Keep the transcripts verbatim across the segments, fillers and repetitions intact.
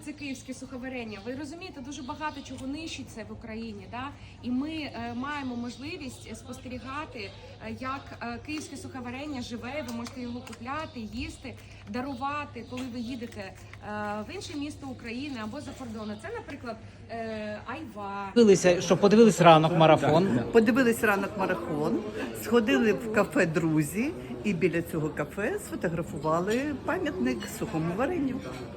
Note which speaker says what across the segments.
Speaker 1: це київське суховарення. Ви розумієте, дуже багато чого нищиться в Україні, да? І ми е, маємо можливість спостерігати, е, як е, київське суховарення живе. Ви можете його купляти, їсти, дарувати, коли ви їдете е, в інше місто України або за кордоном. Це, наприклад, е, айва.
Speaker 2: Дивилися, що подивились ранок марафон.
Speaker 3: Подивились ранок марафон, сходили в кафе «Друзі» і біля цього кафе сфотографували пам'ятник сухому варенню.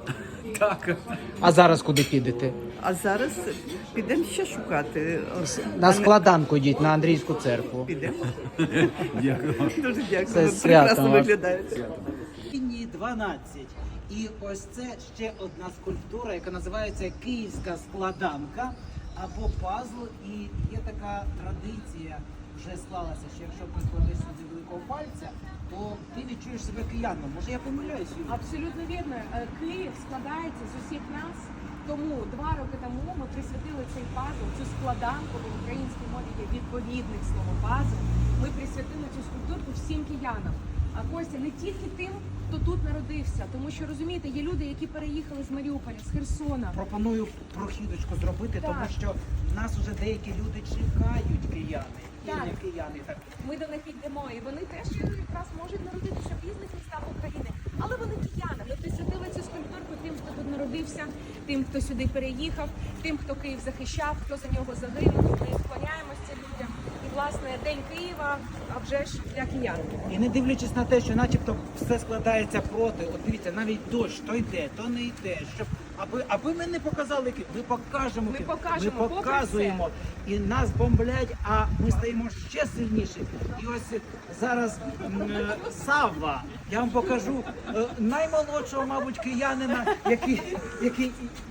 Speaker 4: Так.
Speaker 2: А зараз куди підете?
Speaker 3: А зараз підемо ще шукати.
Speaker 2: На складанку йдіть, на Андрійську церкву.
Speaker 3: Підемо.
Speaker 4: Дякую.
Speaker 3: Дуже дякую.
Speaker 2: Це
Speaker 3: Ви
Speaker 2: свято
Speaker 3: прекрасно
Speaker 2: вас.
Speaker 3: виглядаєте.
Speaker 5: Лінії дванадцять. І ось це ще одна скульптура, яка називається Київська складанка або пазл. І є така традиція, вже склалася, що якщо прикладешся зі великого пальця, то ти відчуєш себе кияном. Може я помиляюсь, Юлія?
Speaker 1: Абсолютно вірно. Е, Київ складається з усіх нас. Тому два роки тому ми присвятили цей пазл, цю складанку, в українській мові є відповідник слова пазл. Ми присвятили цю скульптурку всім киянам. А Костя, не тільки тим, хто тут народився, тому що, розумієте, є люди, які переїхали з Маріуполя, з Херсона.
Speaker 5: Пропоную прохідочку зробити,
Speaker 1: Так.
Speaker 5: тому що нас вже деякі люди чекають, кияни. І
Speaker 1: Так.
Speaker 5: не кияни. Так.
Speaker 1: Ми до них йдемо, і вони теж якраз можуть народитися в різних містах України. Але вони кияни. Ми присвятили цю скульптурку тим, хто тут народився, тим, хто сюди переїхав, тим, хто Київ захищав, хто за нього загинув. Ми склоняємося людям. І, власне, День Києва, а вже ж для киян.
Speaker 5: І не дивлячись на те, що начебто все складається проти, от дивіться, навіть дощ, то йде, то не йде, щоб аби, аби ми не показали Київ, ми покажемо
Speaker 1: Ми
Speaker 5: Київ,
Speaker 1: покажемо,
Speaker 5: ми
Speaker 1: попри
Speaker 5: показуємо, і нас бомблять, а ми стаємо ще сильніші. І ось зараз м, е, Савва, я вам покажу е, наймолодшого, мабуть, киянина, який, який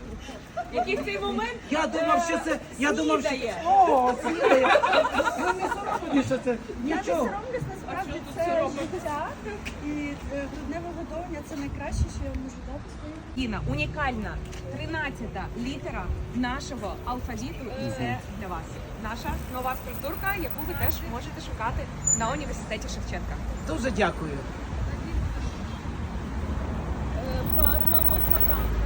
Speaker 1: Який в цей момент
Speaker 5: я думав, що це, я думав, що
Speaker 1: снідає.
Speaker 5: о, снідає. Ви не соромні, що це
Speaker 6: Я не
Speaker 5: нічого.
Speaker 6: соромлюсь, насправді це життя і е, грудне виготовлення це найкраще, що я можу дати своїм.
Speaker 1: Кіна, унікальна тринадцята літера нашого алфавіту, і це для вас. Наша нова скульптурка, яку ви теж можете шукати на університеті Шевченка.
Speaker 5: Дуже дякую.
Speaker 6: Парма, от така.